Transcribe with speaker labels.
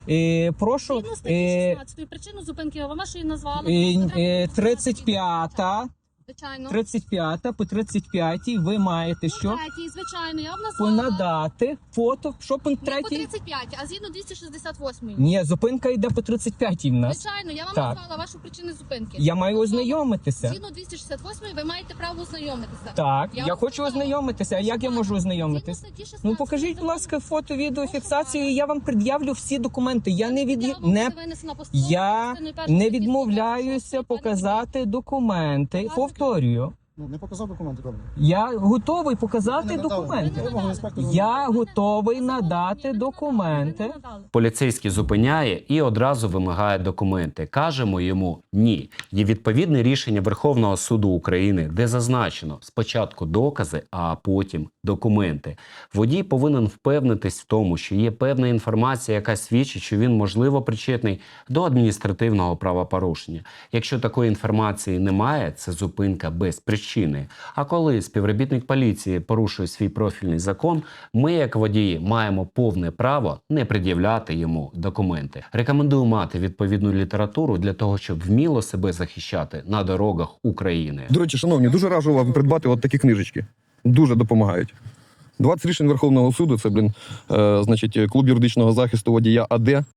Speaker 1: Прошу,
Speaker 2: Згідно статті 16 причину зупинки ви вашої назвали.
Speaker 1: 35-та,
Speaker 2: Звичайно.
Speaker 1: 35-та по 35-й ви маєте що?
Speaker 2: Третій, звичайно, я вам назвала.
Speaker 1: Понадати фото. Що пункт
Speaker 2: Не по
Speaker 1: 3?
Speaker 2: 35, а згідно 268.
Speaker 1: Ні, зупинка йде по 35-й в нас.
Speaker 2: Звичайно, я вам
Speaker 1: Так.
Speaker 2: назвала вашу причину зупинки.
Speaker 1: Я маю ознайомитися.
Speaker 2: Згідно 268 ви маєте право ознайомитися.
Speaker 1: Так, я
Speaker 2: вам
Speaker 1: хочу
Speaker 2: сказала.
Speaker 1: ознайомитися. А як я можу
Speaker 2: Згідно
Speaker 1: ознайомитись?
Speaker 2: статті 16
Speaker 1: Ну покажіть, будь ласка, фото, відео, фіксацію, і я вам пред'явлю всі документи. Я не не відмовляюся показати документи. Повторюю.
Speaker 3: Ну, не показав документи, добре.
Speaker 1: Я готовий показати
Speaker 3: Ви не надали.
Speaker 1: документи.
Speaker 3: Вимогу інспектора.
Speaker 1: Я готовий надати документи.
Speaker 4: Поліцейський зупиняє і одразу вимагає документи. Кажемо йому ні. Є відповідне рішення Верховного суду України, де зазначено спочатку докази, а потім документи. Водій повинен впевнитись в тому, що є певна інформація, яка свідчить, що він можливо причетний до адміністративного правопорушення. Якщо такої інформації немає, це зупинка без причини. А коли співробітник поліції порушує свій профільний закон, ми, як водії, маємо повне право не пред'являти йому документи. Рекомендую мати відповідну літературу для того, щоб вміло себе захищати на дорогах України.
Speaker 5: До речі, шановні, дуже раджу вам придбати от такі книжечки. Дуже допомагають. 20 рішень Верховного суду, це, значить, клуб юридичного захисту водія АД.